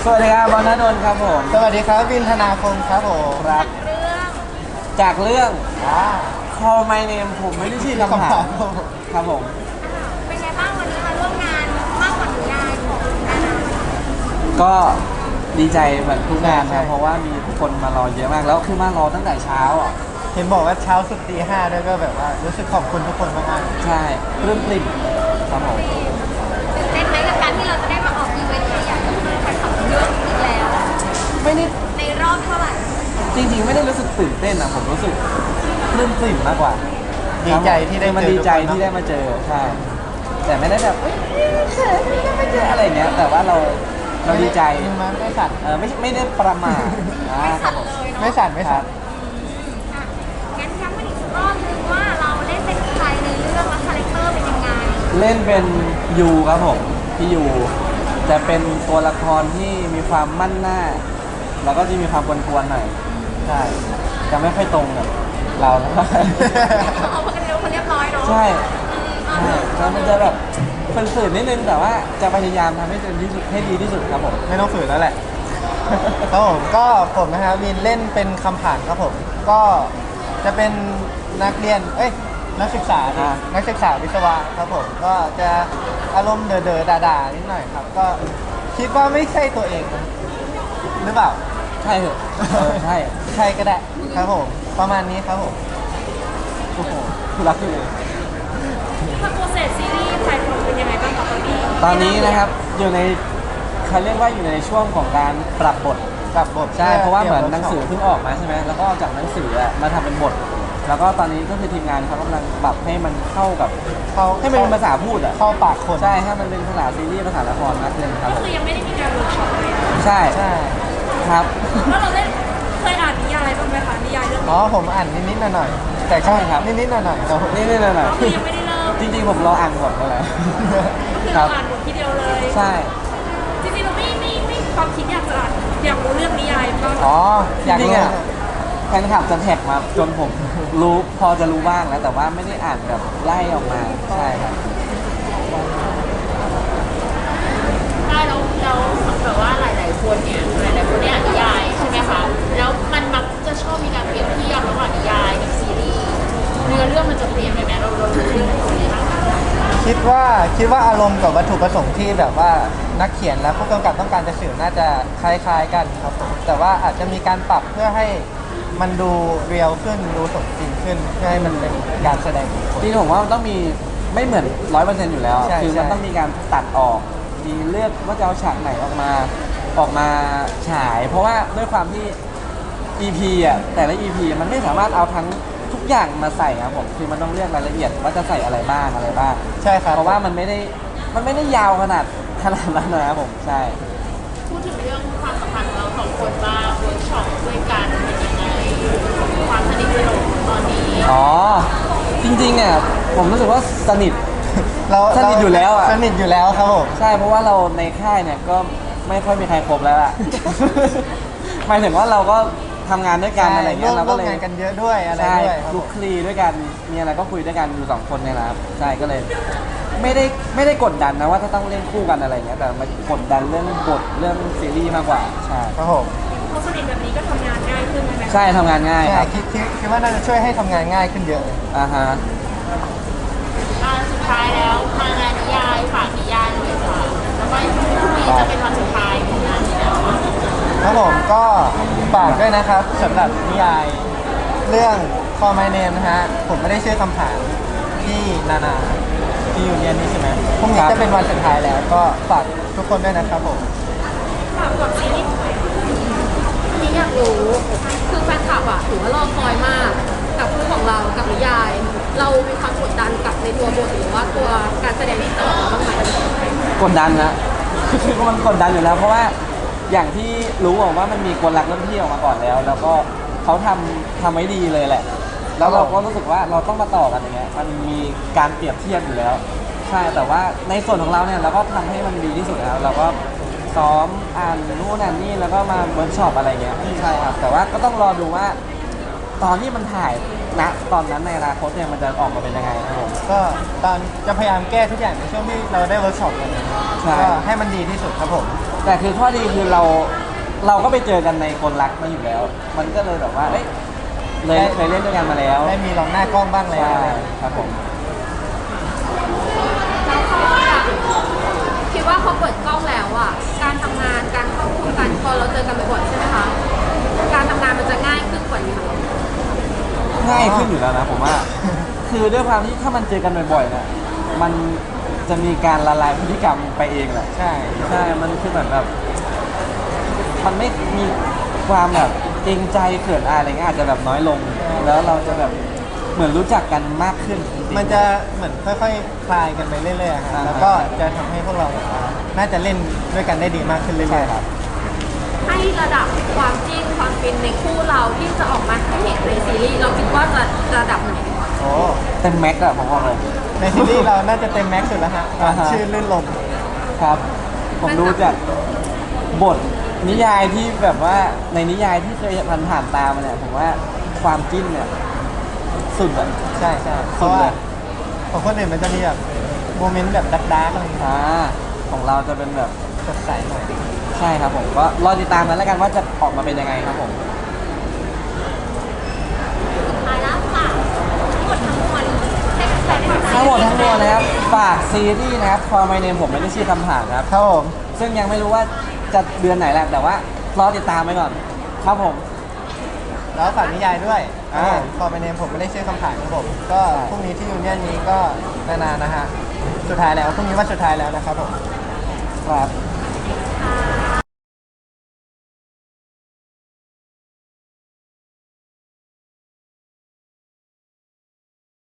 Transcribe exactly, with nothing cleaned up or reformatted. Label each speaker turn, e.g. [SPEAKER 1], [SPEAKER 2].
[SPEAKER 1] สวัสดีครับบอลณดลครับผม
[SPEAKER 2] สวัสดีครับวินธนาคมครับผม
[SPEAKER 1] ครับ
[SPEAKER 3] เรื่อง
[SPEAKER 1] จากเรื่อง
[SPEAKER 2] อ่า
[SPEAKER 1] Call My Name ผมไม่ได้ชื่อคำถามครับผม
[SPEAKER 3] เป็นไงบ้างวันนี้มาร่วมงานมากกว่านิยายของนานา
[SPEAKER 1] ก็ดีใจเหมือนทุกงานนะเพราะว่ามีคนมารอเยอะมากแล้วคือมารอตั้งแต่เช้าอ่ะ
[SPEAKER 2] เห็นบอกว่าเช้าสุดตีห้าด้วยก็แบบว่ารู้สึกขอบคุณทุกคนมาก
[SPEAKER 1] ๆใช่ปลื้มปริ่มครับผม
[SPEAKER 3] ตื่นเต้นไหมกับการที่เราจะได้มาออกอีเวนต์ใหญ่ๆกับแฟนคลับเยอะอีกแล้ว
[SPEAKER 1] ไม่ได้
[SPEAKER 3] ในรอบเท่าไหร่
[SPEAKER 1] จริงๆไม่ได้รู้สึกตื่นเต้นนะผมรู้สึกปลื้มปริ่มมากกว่า
[SPEAKER 2] ดีใจที่ได้
[SPEAKER 1] มันดีใจที่ได้มาเจอใช่แต่ไม่ได้แบบเฮ้ยเขินไม่ได้มาเจออะไรเนี้ยแต่ว่าเราเราดีใจ
[SPEAKER 2] มันไม่สั่น
[SPEAKER 1] เออไม่ไม่ได้ประมาท
[SPEAKER 3] ไม่สั่นเลยเนาะ
[SPEAKER 2] ไม่สั่นไม่สั่น
[SPEAKER 3] งั้นย้ำกันอีกรอบนึงว่าเราเล่นเป็นใครในเรื่องและคาแรคเตอร์เป็นยังไง
[SPEAKER 1] เล่นเป็นยูครับผมพี่ยูจะเป็นตัวละครที่มีความมั่นหน้าแล้วก็จะมีความกวนๆหน่อยใช่จะไม่ค่อยตรงกับเราแล้ว
[SPEAKER 3] เอาพวกกันเร็วคนเรียบร้อยเนาะ
[SPEAKER 1] ใช่แล้วมันจะแบบฝืนๆนิดนึงแต่ว่าจะพยายามทำให้เต็มที่สุดให้ดีที่สุดครับผม
[SPEAKER 2] ไม่ต้องฝืนแล้วแหละครับผมก็ผมนะครับวินเล่นเป็นคำผ่านครับผมก็จะเป็นนักเรียนเอ้ยนักศึกษานักศึกษาวิศวะครับผมก็จะอารมณ์เด๋อๆด่าๆนิดหน่อยครับก็คิดว่าไม่ใช่ตัวเองนะหรือเปล่า
[SPEAKER 1] ใช่เหรอใช่
[SPEAKER 2] ใช่ก็ได้ครับผมประมาณนี้ครับผม
[SPEAKER 1] โอ้โหรักเลย
[SPEAKER 3] ถ้าโปรเซสซีรีส์ไทยเป็นยังไงบ้างตอนนี้
[SPEAKER 1] ตอนนี้นะครับอยู่ในเขาเรียกว่าอยู่ในช่วงของการปรับบท
[SPEAKER 2] ปรับบท
[SPEAKER 1] ใช่เพราะว่าเหมือนหนังสือเพิ่งออกมาใช่ไหมแล้วก็จากหนังสือมาทำเป็นบทแล้วก็ตอนนี้ก็คือทีมงานเขากำลังปรับให้มันเข้ากับ
[SPEAKER 2] เข้า
[SPEAKER 1] ให้มันเป็นภาษาพูดอ่ะ
[SPEAKER 2] เข้าปากคน
[SPEAKER 1] ใช่ให้มันเป็นภาษาซีรีส์ภาษาละครมากขึ้นครับ
[SPEAKER 3] ก็คือยังไม่ได้มีการเวิร์กช็อปเลย
[SPEAKER 1] ใช่
[SPEAKER 2] ใช่
[SPEAKER 1] ครับ
[SPEAKER 3] แล้วเราได้เคยอ่านนิยายบ้างไหมคะนิยายเรื่อง
[SPEAKER 2] อ๋อผมอ่านนิดๆหน่อยๆแต่ใช่ครับนิดๆหน่อยๆครับ
[SPEAKER 1] นิดๆหน่อย
[SPEAKER 3] ๆคือยังไม่ได้เริ่ม
[SPEAKER 1] จริงๆผมรออ่านบทอะไร
[SPEAKER 3] ก็คือเราอ่านบททีเดียวเลย
[SPEAKER 1] ใช่
[SPEAKER 3] จริงๆเราไม่ไม่ไม่ความคิดอยากจะอ่านอยากรู้เรื่องนิยายบ้าง
[SPEAKER 2] อ๋ออยากรู้
[SPEAKER 1] แฟนคลับจะแท็กมาจนผมรู้พอจะรู้บ้างแล้วแต่ว่าไม่ได้อ่านแบบไล่ออกมาใช่ครับ
[SPEAKER 3] ใช่แล้วแล้วแบบว่าหลายๆคนเนี่ยหลายๆคนเนี่ยอ่านนิยายใช่ไหมคะแล้วมันมักจะชอบมีการเปรียบเทียบระหว่างนิยายกับซีรีส์เนื้อเรื่องมันจะเปลี่ยนไปไหมเราเราดูเรื่องไหนคนนี้บ้าง
[SPEAKER 2] คิดว่าคิดว่าอารมณ์กับวัตถุประสงค์ที่แบบว่านักเขียนและผู้กำกับต้องการจะสื่อน่าจะคล้ายๆกันครับผมแต่ว่าอาจจะมีการปรับเพื่อให้มันดูเรียลขึ้นดูสมจริงขึ้นเพื่อให้มันเป็นการแสดง
[SPEAKER 1] จริงผมว่ามันต้องมีไม่เหมือนร้อยเปอร์เซ็นต์อยู่แล้วคือมันต้องมีการตัดออกมีเลือกว่าจะเอาฉากไหนออกมาออกมาฉายเพราะว่าด้วยความที่ อี พี อ่ะแต่ละ อี พี มันไม่สามารถเอาทั้งทุกอย่างมาใส่ครับผมคือมันต้องเลือกรายละเอียดว่าจะใส่อะไรบ้างอะไรบ้าง
[SPEAKER 2] ใช่ครับ
[SPEAKER 1] เพราะว่ามันไม่ได้มันไม่ได้ยาวขนาดขนาดนั้นนะครับผมใช่
[SPEAKER 3] พูดถึงเรื่องความสัมพันธ์ของเราสองคนบ้างเวิร์กช็อปด้วยกันเป็นยังไงความสนิทสนมตอนนี้
[SPEAKER 1] อ๋อจริงๆเนี่ยผมรู้สึกว่าสนิท
[SPEAKER 2] เรา
[SPEAKER 1] สนิทอยู่แล้วอ่ะ
[SPEAKER 2] สนิทอยู่แล้วครับผม
[SPEAKER 1] ใช่เพราะว่าเราในค่ายเนี่ยก็ไม่ค่อยมีใครครบแล้วล่ะหมายถึงว่าเราก็ทำงานด้วยกันอะไรเงี้ยเราก็เลย
[SPEAKER 2] งานกันเยอะด้วยอะไรด้วย
[SPEAKER 1] คลุกคลีด้วยกันมีอะไรก็คุยด้วยกันอยู่สองคนเนี่ยนะครับใช่ก็เลยไม่ได้ไม่ได้กดดันนะว่าถ้าต้องเล่นคู่กันอะไรเงี้ยแต่มากดดันเรื่องบทเรื่องซีรีส์มากกว่าใช่
[SPEAKER 2] ครับผม
[SPEAKER 3] พอสนิทแบบนี้ก็ทำงานง่ายขึ้นไหม
[SPEAKER 1] ใช่ทำงานง่ายครับ
[SPEAKER 2] คิดคิดว่าน่าจะช่วยให้ทำงานง่ายขึ้นเยอะ
[SPEAKER 1] อ่าฮะ
[SPEAKER 3] สุดท้ายแล้วมางานนิยายฝากนิยายหน่อยค่ะแล้วก็พรุ่งนี้จะเป็นวันสุดท้ายของงานนี้แล้ว
[SPEAKER 2] ครับผมก็ฝากด้วยนะครับสำหรับนิยายเรื่อง Call My Name นะฮะผมไม่ได้ชื่อคำถามที่นานาที่อยู่เรียนนี่ใช่ไหมพรุ่งนี้จะเป็นวันสุดท้ายแล้วก็ฝากทุกคนด้วยนะครับผม
[SPEAKER 3] ฝากก่อนซีรีส์นี่อยากรู้คือแฟนคลับอะถือว่ารอคอยมากกับคู่ของเรากับนิยายเรามีความกดดันกับในตัวบทหรือว่าตัวการแสดงที่ต่อบ้างไหม
[SPEAKER 1] กดดันนะคือมันกดดันอยู่แล้วเพราะว่าอย่างที่รู้ว่ามันมีคนรักรุ่นพี่ออกมาก่อนแล้วแล้วก็เขาทำทำไว้ดีเลยแหละแล้วเราก็รู้สึกว่าเราต้องมาต่อกันอย่างเงี้ยมันมีการเปรียบเทียบอยู่แล้วใช่แต่ว่าในส่วนของเราเนี่ยเราก็ทำให้มันดีที่สุดแล้วเราก็ซ้อมอ่านนู่นอ่านนี่แล้วก็มาเวิร์กช็อปอะไรเงี้ยใช่ครับแต่ว่าก็ต้องรอดูว่าตอนที่มันถ่ายณตอนนั้นในอนาคตเนี่ยมันจะออกมาเป็นยังไงครับผม
[SPEAKER 2] ก็ตอนจะพยายามแก้ทุกอย่างในช่วงที่เราได้เวิร์กช็อปกันก็ให้มันดีที่สุดครับผม
[SPEAKER 1] แต่คือข้อดีคือเราเราก็ไปเจอกันในคนรักมาอยู่แล้ว มันก็เลยแบบว่าเอ้ยเลยเคยเล่นด้วยกันมาแล้ว
[SPEAKER 2] ได้มีลองหน้ากล้องบ้างแล้ว
[SPEAKER 1] ใช่ครับผม
[SPEAKER 4] แล้วพอแบบคิดว่าพอเปิดกล้องแล้วอ่ะการทำงานการเข้าคู่กันพอเราเจอกันบ่อยๆใช่ไหมคะการทำงานมันจะง่ายขึ้นกว่านี้ไหม
[SPEAKER 1] ง่ายขึ้นอยู่แล้วนะผมว่า คือด้วยความที่ถ้ามันเจอกันบ่อยๆเนี่ยมันจะมีการละลายพฤติกรรมไปเองแหละ
[SPEAKER 2] ใช่
[SPEAKER 1] ใช่ มันคือเหมือนแบบ มันไม่มีความแบบเกรงใจเขินอายอะไรเงี้ยอาจจะแบบน้อยลง แล้วเราจะแบบเหมือนรู้จักกันมากขึ้นจริงๆ
[SPEAKER 2] มันจะเหมือนค่อยๆ คลายกันไปเรื่อยๆครับ
[SPEAKER 1] อ่าฮะ
[SPEAKER 2] แล้วก็จะทำให้พวกเราแบบว่าน่าจะเล่นด้วยกันได้ดีมากขึ้นเรื่อยๆครับ
[SPEAKER 4] ให้ระดับความจริงความฟินในคู่เราที่จะออกมาให้เห็นในซีรีส์เราคิดว่าจะระดับไหน
[SPEAKER 2] โอ้
[SPEAKER 1] เต็มแม็กซ์อะผมบอกเลย
[SPEAKER 2] ในซีรีส์เราน่าจะเต็มแม็กซ์สุดแล้วฮะ
[SPEAKER 1] อ่าฮะ
[SPEAKER 2] ชื่อลื่นลม
[SPEAKER 1] ครับ ผมดูจากบทนิยายที่แบบว่าในนิยายที่เคยผ่านผ่านๆตามาเนี่ยผมว่าความจิ้นเนี่ยสุดอะ
[SPEAKER 2] ใช่ใช่เพ
[SPEAKER 1] สุด
[SPEAKER 2] ราะ
[SPEAKER 1] เล
[SPEAKER 2] ว่าย ของคนอื่นมันจะมีแบบโมเมนต์แบบดักๆอะไรอย่างเงี้ย
[SPEAKER 1] อ่าของเราจะเป็นแบบ
[SPEAKER 2] สดใสหน่อย
[SPEAKER 1] ใช่ครับผมก็รอติดตามกันแล้วกันว่าจะออกมาเป็นยังไงครับผม
[SPEAKER 4] สุดท้ายแล้วค่ะทั้งหมดทั้งมวลให้แฟนๆได้
[SPEAKER 1] ทั้งหมดทั้งมวลนะครับฝากซีรีส์นะครับ For My Name ผมไม่ได้ชื่อคำถามครับ
[SPEAKER 2] ครับผม
[SPEAKER 1] ซึ่งยังไม่รู้ว่าจะเดือนไหนแหละแต่ว่ารอติดตามไปก่อนครับผม
[SPEAKER 2] แล้วฝากนิยายด้วย
[SPEAKER 1] อ่า
[SPEAKER 2] พอไปเนมผมไม่ได้ชื่อคำถามครับผมก็พรุ่งนี้ที่ยูเนียนนี้ก็นานๆนะฮะสุดท้ายแล้วพรุ่งนี้วันสุดท้ายแล้วนะครับผม
[SPEAKER 1] ครับ